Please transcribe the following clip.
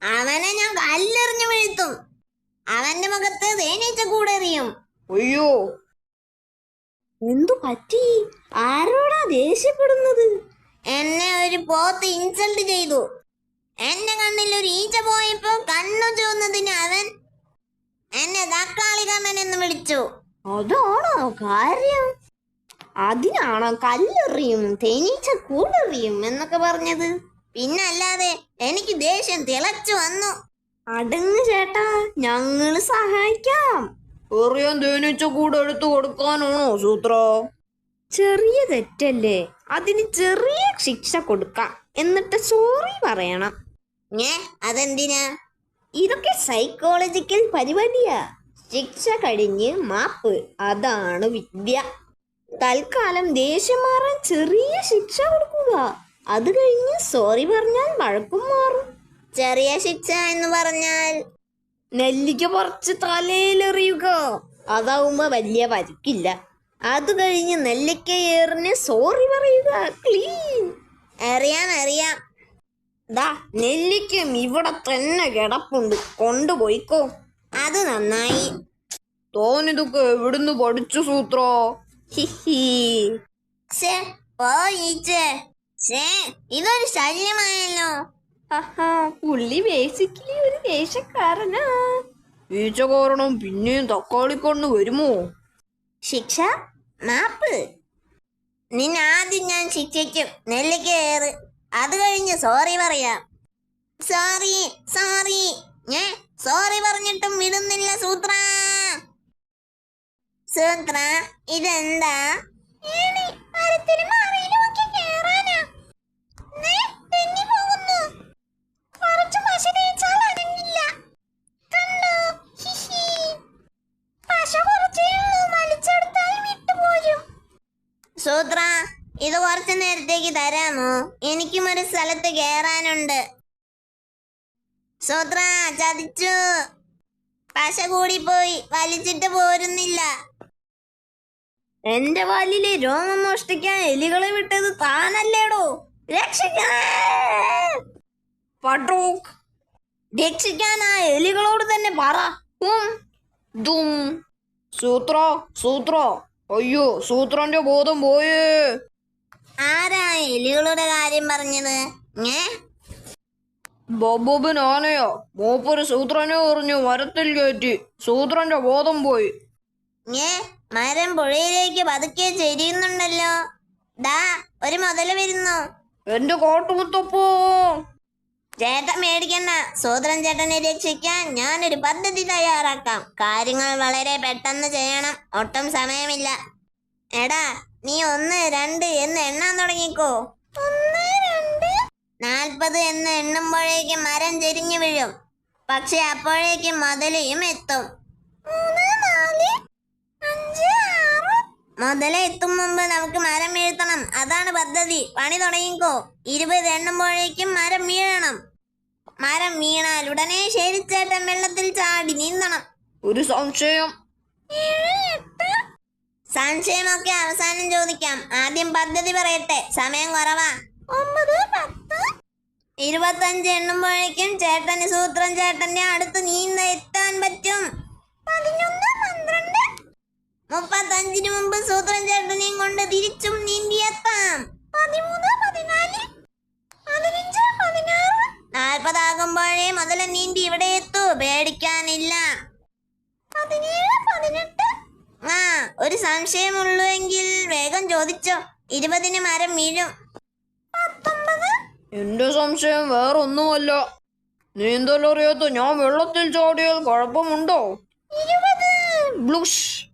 അവനെ ഞാൻ കല്ലെറിഞ്ഞു വീഴ്ത്തും. അവന്റെ മുഖത്ത് തേനീച്ച കൂടെറിയും. അയ്യോ, എന്തു പറ്റി? ആരോടാ ദേഷ്യപ്പെടുന്നത്? എന്നെ ഒരു പോത്ത് ഇൻസൾട്ട് ചെയ്തു. എന്റെ കണ്ണിൽ ഒരു ഈച്ച പോയപ്പോ കണ്ണു ചുവന്നതിന് അവൻ എന്നെ തക്കാളി കണ്ണൻ എന്ന് വിളിച്ചു. അതാണോ കാര്യം? അതിനാണോ കല്ലെറിയും തേനീച്ച കൂടെറിയും എന്നൊക്കെ പറഞ്ഞത്? പിന്നല്ലാതെ എനിക്ക് ദേഷ്യം തിളച്ചു വന്നു. അടങ്ങ് ചേട്ടാ, ഞങ്ങള് സഹായിക്കാം. എറിയാൻ തേനീച്ച കൂടെ എടുത്തു കൊടുക്കാനാണോ സൂത്ര? ചെറിയ തെറ്റല്ലേ, അതിന് ചെറിയ ശിക്ഷ കൊടുക്കാം, എന്നിട്ട് സോറി പറയണം. അതെന്തിനാ? ഇതൊക്കെ സൈക്കോളജിക്കൽ പരിപാടിയാ. ശിക്ഷ കഴിഞ്ഞ് മാപ്പ്, അതാണ് വിദ്യ. തൽക്കാലം ദേഷ്യം മാറാൻ ചെറിയ ശിക്ഷ കൊടുക്കുക. അത് കഴിഞ്ഞ് സോറി പറഞ്ഞാൽ വഴക്കും മാറും. ചെറിയ ശിക്ഷ എന്ന് പറഞ്ഞാൽ നെല്ലിക്ക പറിച്ച് തലയിലെറിയുക. അതാവുമ്പോ വലിയ പരിക്കില്ല. അത് കഴിഞ്ഞ് നെല്ലിക്ക ഏറിന് സോറി പറയുക. ക്ലീൻ. അറിയാം. ദാ നെല്ലിക്കും ഇവിടെ തന്നെ കിടപ്പുണ്ട്, കൊണ്ടുപോയിക്കോ. അത് നന്നായി. തോന്നിതൊക്കെ എവിടുന്ന് പഠിച്ചു സൂത്ര? ഹിഹി. ഇതൊരു ശല്യമായല്ലോ. പുള്ളി ബേസിക്കലി ഒരു ദേഷ്യക്കാരനാ. ഈച്ച കാരണം പിന്നെയും തക്കാളിക്കണ്ണ് വരുമോ? ശിക്ഷ മാപ്പ്. നിന്നാദ്യം ഞാൻ ശിക്ഷിക്കും. നെല്ലിക്ക ഏറ്. അത് കഴിഞ്ഞ് സോറി പറയാം. സോറി ഞാൻ സോറി പറഞ്ഞിട്ടും വിടുന്നില്ല സൂത്ര. ഇതെന്താ? സൂത്ര, ഇത് കുറച്ചു നേരത്തേക്ക് തരാമോ? എനിക്കും ഒരു സ്ഥലത്ത് കേറാനുണ്ട്. സൂത്ര, ചതിച്ചു. പശ കൂടിപ്പോയി, വലിച്ചിട്ട് പോരുന്നില്ല. എന്റെ വാലിലെ രോമം മോഷ്ടിക്കാൻ എലികളെ വിട്ടത് താനല്ലേടോ? രക്ഷിക്കാൻ ആ എലികളോട് തന്നെ പറ. സൂത്ര, അയ്യോ, സൂത്രന്റെ ബോധം പോയേ. ആരാ എലികളുടെ കാര്യം പറഞ്ഞത്? ബൊബോബൻ ആനയോ? മൂപ്പര് സൂത്രനെ എറിഞ്ഞു മരത്തിൽ കയറ്റി. സൂത്രന്റെ ബോധം പോയി. മരം പുഴയിലേക്ക് പതുക്കെ ചെരിയുന്നുണ്ടല്ലോ. ദാ ഒരു മുതല് വരുന്നു. എന്റെ കാട്ടുമുത്തപ്പോ. ചേട്ടൻ മേടിക്കണ്ട. സൂത്രൻ ചേട്ടനെ രക്ഷിക്കാൻ ഞാനൊരു പദ്ധതി തയ്യാറാക്കാം. കാര്യങ്ങൾ വളരെ പെട്ടെന്ന് ചെയ്യണം. ഒട്ടും സമയമില്ല. എടാ, നീ 1, 2 എന്ന് എണ്ണാൻ തുടങ്ങിക്കോ. 40 എന്ന് എണ്ണുമ്പോഴേക്കും മരം ചെരിഞ്ഞു വീഴും. പക്ഷെ അപ്പോഴേക്കും മുതലയും എത്തും. മുതല എത്തും മുമ്പ് നമുക്ക് മരം വീഴ്ത്തണം. അതാണ് പദ്ധതി. പണി തുടങ്ങിക്കോ. 20 എണ്ണുമ്പോഴേക്കും മരം വീഴണം. മരം വീണാൽ ഉടനെ ശരിച്ചേട്ടൻ വെള്ളത്തിൽ ചാടി നീന്തണം. ഒരു സംശയം. സംശയമൊക്കെ അവസാനം ചോദിക്കാം. ആദ്യം പദ്ധതി പറയട്ടെ. സമയം കുറവാ. 9, 10, 25 എണ്ണുമ്പോഴേക്കും ചേട്ടന് സൂത്രൻ ചേട്ടന്റെ അടുത്ത് എത്താൻ പറ്റും. 11, 12, 35 മുമ്പ് സൂത്രൻ ചേട്ടനെയും കൊണ്ട് തിരിച്ചും നീന്തിയെത്താം. 13, 14, 15, 16, 40 ആകുമ്പോഴേ മുതല നീന്തി ഇവിടെ എത്തൂ. പേടിക്കാനില്ല. 17, 18. ഒരു സംശയമുള്ളൂ എങ്കിൽ വേഗം ചോദിച്ചോ. 20 മരം വീഴും. 19. എന്റെ സംശയം വേറൊന്നുമല്ല. നീന്തലറിയാത്ത ഞാൻ വെള്ളത്തിൽ ചാടിയാൽ കുഴപ്പമുണ്ടോ? 20. ബ്ലുഷ്.